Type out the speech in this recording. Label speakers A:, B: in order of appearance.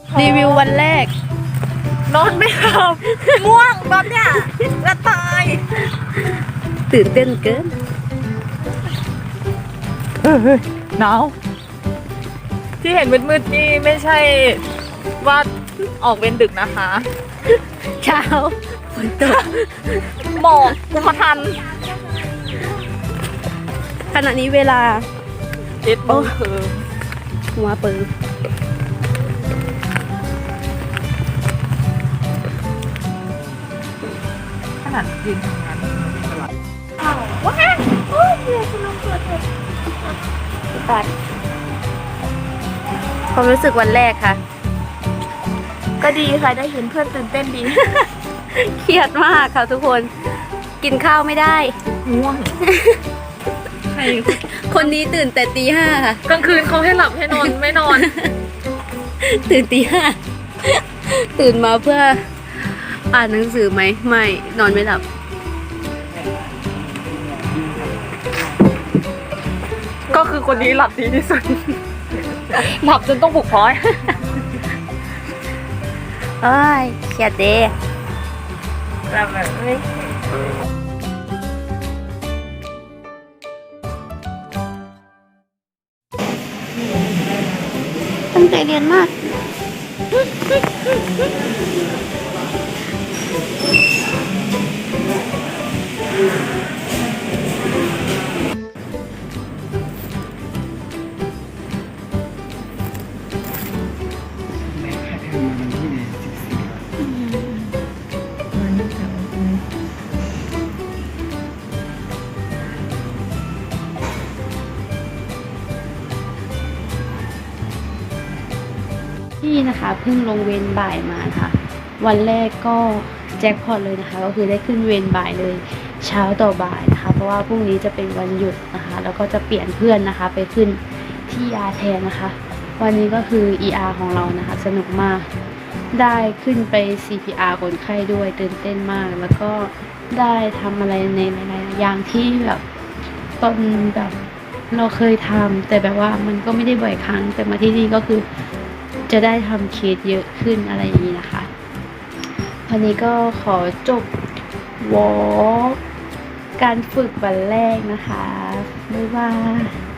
A: รีวิววันแรก
B: นอนไม่หลับม่วงตอนเนี้ยจะตาย
A: ตื่นเต้นเกิน
B: หนาวที่เห็นมืดๆนี่ไม่ใช่ว่าออกเวรดึกนะคะ
A: เช้าฝนตก
B: หมอกกุมทัน
A: ขณะนี้เวลา
B: 7 โมงครึ่ง
A: หัวปืน
B: ขนาดยืนทำงานว้า
A: ความรู้สึกวันแรกค่ะ
B: ก็ดีค่ะได้เห็นเพื่อนตื่นเต้นดี
A: เครียดมากค่ะทุกคน กินข้าวไม่ได้
B: ง่วงใคร
A: คนนี้ตื่นแต่ตี 5ค่ะ
B: กลางคืนเขาให้หลับให้นอนไม่นอน
A: ตื่นตี 5ตื่นมาเพื่ออ่านหนังสือไหม ไม่ นอนไม่หลับ
B: ก็คือคนนี้หลับดีที่สุด หลับจนต้องปลุกพลอย
A: เอ้ยเครียดเด้
B: หลับแบบไม่
A: ตั้งใจเรียนมาก ที่นะคะเพิ่งลงเวรบ่ายมาค่ะ วันแรกก็แจ็คพอตเลยนะคะ ก็คือได้ขึ้นเวรบ่ายเลยเช้าต่อบ่ายนะคะ เพราะว่าพรุ่งนี้จะเป็นวันหยุดนะคะ แล้วก็จะเปลี่ยนเพื่อนนะคะ ไปขึ้นที่ ER แทนนะคะ วันนี้ก็คือ ER ของเรานะคะ สนุกมาก ได้ขึ้นไป CPR คนไข้ด้วยตื่นเต้นมาก แล้วก็ได้ทำอะไรในหลายๆอย่างที่แบบตอนแบบเราเคยทำแต่แบบว่ามันก็ไม่ได้บ่อยครั้งแต่มาที่นี่ก็คือ จะได้ทำเคสเยอะขึ้นอะไรอย่างนี้นะคะ วันนี้ก็ขอจบวอล์กการฝึกวันแรกนะคะ บ๊ายบาย